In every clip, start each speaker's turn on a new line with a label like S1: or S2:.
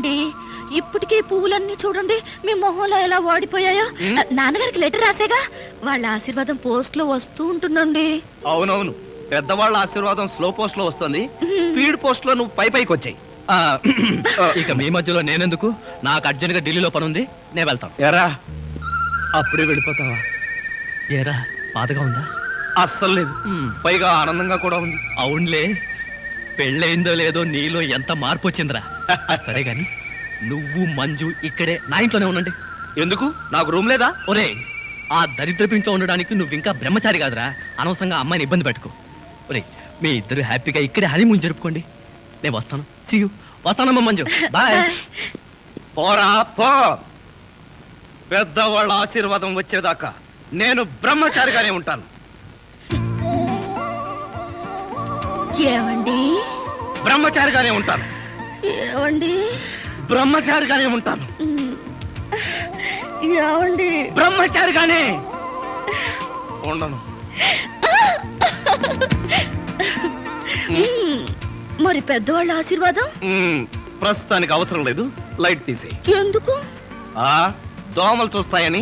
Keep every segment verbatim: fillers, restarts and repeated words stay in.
S1: ఏమండి ఇప్పటికే పువ్వులన్నీ చూడండి మీ మొహంలో ఎలా వాడిపోయాయో. నాన్నగారికి లెటర్ రాసేగా, వాళ్ళ ఆశీర్వాదం పోస్ట్ లో వస్తూ ఉంటుందండి.
S2: అవునవును, పెద్దవాళ్ళ ఆశీర్వాదం స్లో పోస్ట్ లో వస్తుంది, స్పీడ్ పోస్ట్ లో నువ్వు పై పైకి వచ్చాయి.
S3: ఇక మీ మధ్యలో నేనెందుకు, నాకు అర్జెంట్ గా ఢిల్లీలో పని ఉంది, నేను వెళ్తాను.
S2: ఎరా అప్పుడే వెళ్ళిపోతావా?
S3: ఏరా బాధగా ఉందా?
S2: అస్సలు లేదు, పైగా ఆనందంగా కూడా ఉంది.
S3: అవునులే, పెళ్ళయిందో లేదో నీలో ఎంత మార్పు వచ్చిందిరా. సరే గాని నువ్వు మంజు ఇక్కడే నా ఇంట్లోనే ఉండండి.
S2: ఎందుకు, నాకు రూమ్ లేదా?
S3: ఒరే, ఆ దరిద్రపు ఇంట్లో ఉండడానికి నువ్వు ఇంకా బ్రహ్మచారి కాదురా, అనవసరంగా అమ్మాయిని ఇబ్బంది పెట్టుకో. ఒరే, మీ ఇద్దరు హ్యాపీగా ఇక్కడే హనీమూన్ జరుపుకోండి. నేను వస్తాను, సీ యు. వస్తానమ్మా మంజు, బాయ్.
S2: పోరా పో, పెద్దవాళ్ళ ఆశీర్వాదం వచ్చేదాకా నేను బ్రహ్మచారిగానే ఉంటాను.
S1: ఏమండి
S2: బ్రహ్మచారిగానే ఉంటాను.
S1: ఏమండి
S2: బ్రహ్మచారిగానే ఉంటాను.
S1: ఏమండి
S2: బ్రహ్మచారిగానే ఉండను.
S1: మరి పెద్దవాళ్ళ ఆశీర్వాదం
S2: ప్రస్తుతానికి అవసరం లేదు, లైట్ తీసేయి.
S1: ఎందుకు?
S2: ఆ దోమలు చూస్తాయని.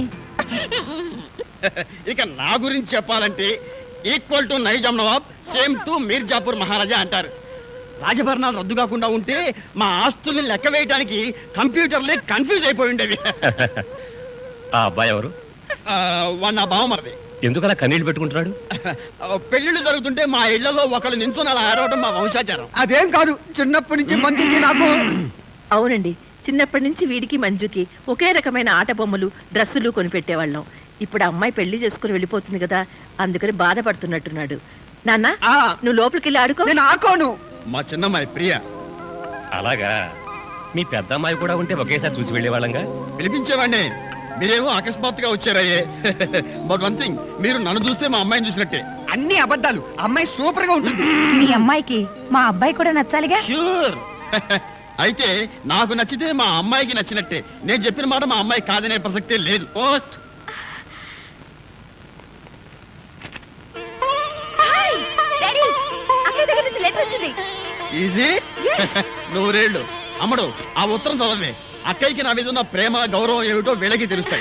S4: ఇక నా గురించి చెప్పాలంటే equal to Nizam Nawab, same to Mirzapur Maharaja అంటారు. రాజభరణాలు రద్దు కాకుండా ఉంటే మా ఆస్తుల్ని లెక్క వేయడానికి కంప్యూటర్లే కన్ఫ్యూజ్ అయిపోయి ఉండేవి.
S3: ఆ అబ్బాయి ఎవరు?
S4: వాడు నా బావమరిది.
S3: ఎందుకు అలా కన్నీళ్లు పెట్టుకుంటున్నాడు?
S4: పెళ్లిళ్ళు జరుగుతుంటే మా ఇళ్లలో ఒకళ్ళు నించుని అలా ఆడవడం మా వంశాచారం.
S5: అదేం కాదు, చిన్నప్పటి నుంచి మంచిది నాకు.
S6: అవునండి, చిన్నప్పటి నుంచి వీడికి మంజుకి ఒకే రకమైన ఆట బొమ్మలు డ్రెస్సులు కొనిపెట్టేవాళ్ళం. ఇప్పుడు అమ్మాయి పెళ్లి చేసుకుని వెళ్ళిపోతుంది కదా, అందుకని బాధపడుతున్నట్టున్నాడు. నాన్న, నువ్వు లోపలికి వెళ్ళి ఆడుకో.
S5: నేను ఆడుకోను.
S4: మా చిన్నమ్మాయి ప్రియ.
S3: అలాగా, మీ పెద్ద అమ్మాయి కూడా ఉంటే ఒకేసారి చూసి వెళ్ళేవాళ్ళంగా.
S4: పిలిపించేవాడిని, మీరేమో అకస్మాత్తుగా వచ్చారయ్యే. బట్ వన్ థింగ్, మీరు నన్ను చూస్తే మా అమ్మాయిని చూసినట్టే.
S5: అన్ని అబద్ధాలు, అమ్మాయి సూపర్ గా ఉంటుంది.
S1: మీ అమ్మాయికి మా అబ్బాయి కూడా నచ్చాలిగా.
S4: ష్యూర్. అయితే నాకు నచ్చితే మా అమ్మాయికి నచ్చినట్టే. నేను చెప్పిన మాట మా అమ్మాయి కాదనే ప్రసక్తే లేదు. పోస్ట్. ఈజీ. నూరేళ్ళు. అమ్మడు, ఆ ఉత్తరం చదవే. అక్కయ్యకి నా మీద ఉన్న ప్రేమ గౌరవం ఏమిటో వీళ్ళకి తెలుస్తాయి.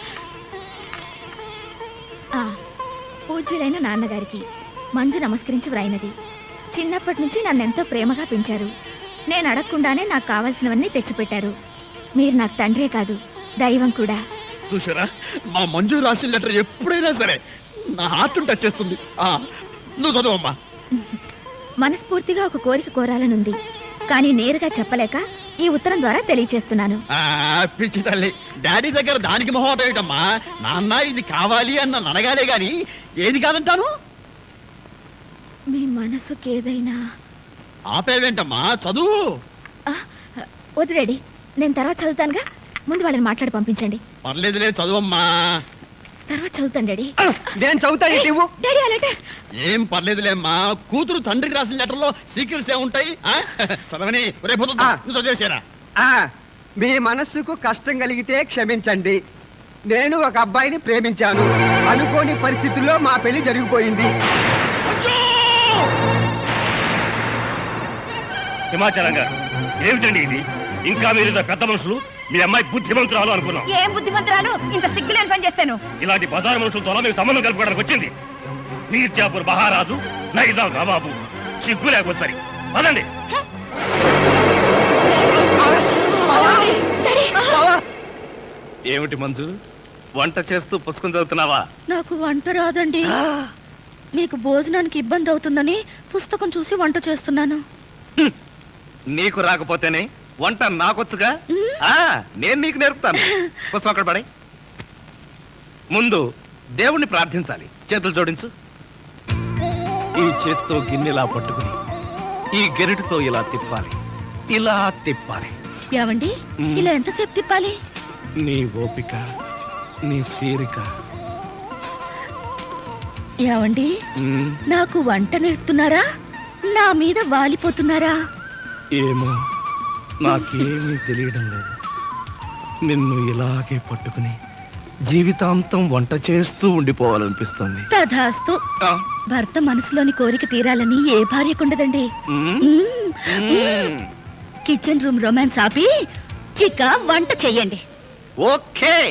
S1: పూజ్యుడైన నాన్నగారికి మంజు నమస్కరించి వ్రాయినది. చిన్నప్పటి నుంచి నన్నెంతో ప్రేమగా పెంచారు. నేను అడగకుండానే నాకు కావాల్సినవన్నీ తెచ్చిపెట్టారు. మీరు నాకు తండ్రే కాదు, దైవం కూడా.
S4: చూసారా, మా మంజు రాసిన లెటర్ ఎప్పుడైనా సరే నా హార్ట్ టచ్ చేస్తుంది. నువ్వు చదవమ్మా.
S1: మనస్ఫూర్తిగా ఒక కోరిక కోరాలనుంది, కానీ నేరుగా చెప్పలేక ఈ ఉత్తరం ద్వారా తెలియచేస్తున్నాను.
S4: పిచ్చి తల్లి, డాడీ దగ్గర దానికి మొహమాట ఏమిటమ్మా? నాన్న ఇది కావాలి అన్న నడగాలే గాని ఏది కాదంటాను.
S1: మీ మనసుకి ఏదైనా.
S4: ఆపేవేంటమ్మా, చదువు.
S1: వదిలేడి, నేను తర్వాత చదువుతానుగా, ముందు వాళ్ళని మాట్లాడి పంపించండి.
S4: పర్లేదులే, చదువమ్మా.
S1: తర్వాత చదువుతాను డాడీ.
S5: నేను చదువుతాను.
S1: డాడీ ఆ లెటర్.
S4: ఏం పర్లేదులేమ్మా, కూతురు తండ్రికి రాసిన లెటర్ లో సీక్రెట్స్ ఏముంటాయి? చదవని రేపు చదివేసారా?
S5: మీ మనస్సుకు కష్టం కలిగితే క్షమించండి. నేను ఒక అబ్బాయిని ప్రేమించాను. అనుకోని పరిస్థితుల్లో మా పెళ్లి జరిగిపోయింది.
S3: హిమాచలం గారు, ఏమిటండి ఇది? ఇంకా మీరు పెద్ద మనుషులు, మీ అమ్మాయి బుద్ధిమంతురాలు అనుకున్నాం.
S1: ఏం బుద్ధిమంతురాలు, ఇంత సిగ్గులేని పని చేస్తాను.
S3: ఇలాంటి బజారు మనుషులతో మీరు సంబంధం కలుపుకోవడానికి వచ్చింది. మీర్జాపూర్ మహారాజు, నైజాం నవాబు, సిగ్గు లేకపోతే పదండి.
S2: ఏమిటి మంజు, వంట చేస్తూ పుస్తకం చదువుతున్నావా?
S1: నాకు వంట రాదండి. మీకు భోజనానికి ఇబ్బంది అవుతుందని పుస్తకం చూసి వంట చేస్తున్నాను.
S2: నీకు రాకపోతేనే వంట నాకొచ్చుగా, నేను నీకు నేర్పుతాను. పుస్తకం అక్కడ పడే. ముందు దేవుణ్ణి ప్రార్థించాలి. చేతులు జోడించు. ఈ చేతితో గిన్నెలా పట్టుకుని ఈ గెరిటితో ఇలా తిప్పాలి, ఇలా తిప్పాలి.
S1: ఏవండి, ఇలా ఎంతసేపు తిప్పాలి?
S2: నీ ఓపిక, నీ తీరిక.
S1: ఏవండి, నాకు వంట నేర్పుతున్నారా, నా మీద వాలిపోతున్నారా?
S2: ఏమో, నాకేమీ తెలియడం లేదు. నిన్ను ఇలాగే పట్టుకుని జీవితాంతం వంట చేస్తూ ఉండిపోవాలనిపిస్తుంది.
S1: తధాస్తు. భర్త మనసులోని కోరిక తీరాలని ఏ భార్యకుండదండి. కిచెన్ రూమ్ రొమాన్స్ ఆపి రుచిగా వంట చెయ్యండి.
S2: ఓకే